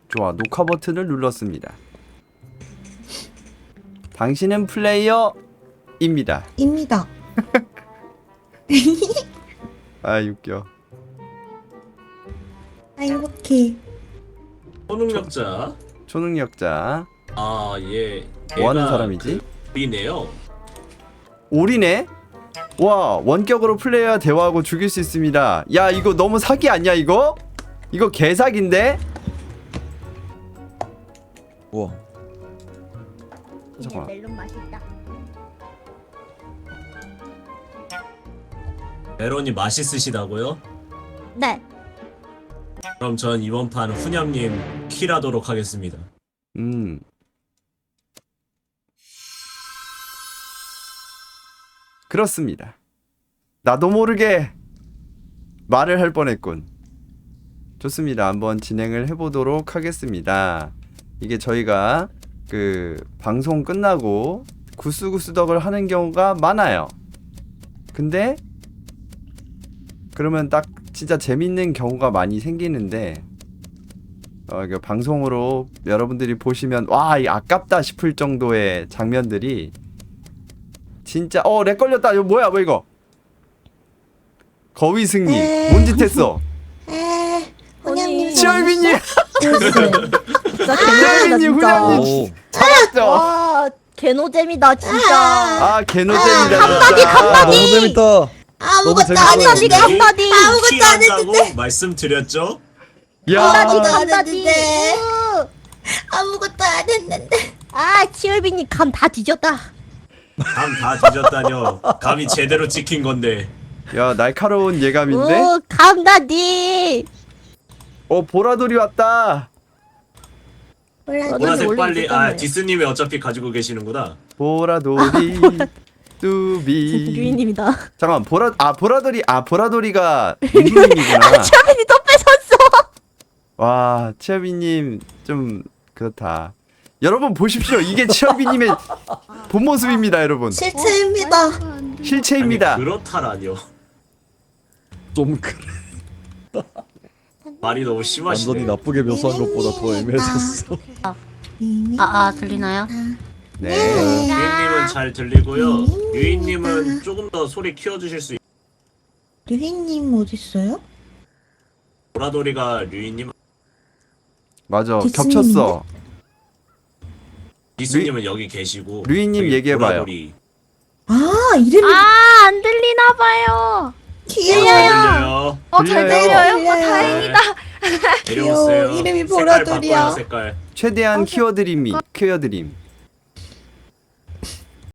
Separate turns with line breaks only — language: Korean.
좋아, 녹화 버튼을 눌렀습니다. 당신은 플레이어입니다.
입니다.
아, 웃겨.
아, 행복해.
초능력자.
초능력자.
아, 예.
뭐 하는 사람이지?
우리네요.
오리네? 와, 원격으로 플레이어와 대화하고 죽일 수 있습니다. 야, 이거 너무 사기 아니야, 이거? 이거 개사기인데?
우와.
잠깐만.
멜론 맛있다.
메론이 맛있으시다고요?
네.
그럼 전 이번 판 훈ям님 킬하도록 하겠습니다.
그렇습니다. 나도 모르게 말을 할 뻔했군. 좋습니다. 한번 진행을 해보도록 하겠습니다. 이게 저희가 그 방송 끝나고 구스구스덕을 하는 경우가 많아요. 근데 그러면 딱 진짜 재밌는 경우가 많이 생기는데 이거 방송으로 여러분들이 보시면 와, 이 아깝다 싶을 정도의 장면들이 진짜 렉 걸렸다. 이거 뭐야, 뭐 이거? 거위승님 뭔 짓 했어?
혼양님.
치얼비님,
진짜 개노잼이다
치얼비님,
진짜.
훈양님 찾았죠?
와 개노잼이다 진짜.
아, 개노잼이다.
한마디,
진짜.
한마디.
너무 재밌다.
아무것도
재밌어.
안
한마디
했는데.
한마디.
아무것도 안
킬한다고
했는데.
말씀드렸죠?
야,
한마디
안
한마디.
했는데. 아무것도 안 했는데.
아 치얼비님 감 다 뒤졌다.
감 다 뒤졌다뇨. 감이 제대로 찍힌 건데.
야, 날카로운 예감인데?
오 감다디.
보라돌이 왔다.
몰라.
보라색
원래
빨리.
있었잖아요.
아, 디스님이 어차피 가지고 계시는구나.
보라돌이 뚜비.
유인님이다.
잠깐, 보라돌이가 민규님이구나.
치얼비님 또 뺏었어.
와, 치얼비님 좀 그렇다. 여러분 보십시오. 이게 치얼비님의 본 모습입니다, 여러분.
실체입니다.
실체입니다.
아니, 그렇다라뇨.
좀 그래.
말이 너무
완전히
심하시네.
나쁘게 묘사한 것보다 더 애매해졌어.
들리나요?
네.
유인님은 잘 들리고요. 유인님은 조금 더 소리 키워주실 수 있...
류희님 어딨어요?
보라돌이가 류인님,
맞아.
디스님인데?
겹쳤어.
디스님은 여기 계시고.
류인님
저기
얘기해봐요.
보라돌이.
아, 이름이
안 들리나 봐요.
귀여워.
들려요.
잘
들려요?
들려요? 다행이다.
내려오세요.
귀여워. 이름이
색깔
보라돌이야.
바꿔요, 색깔.
최대한 키워드림.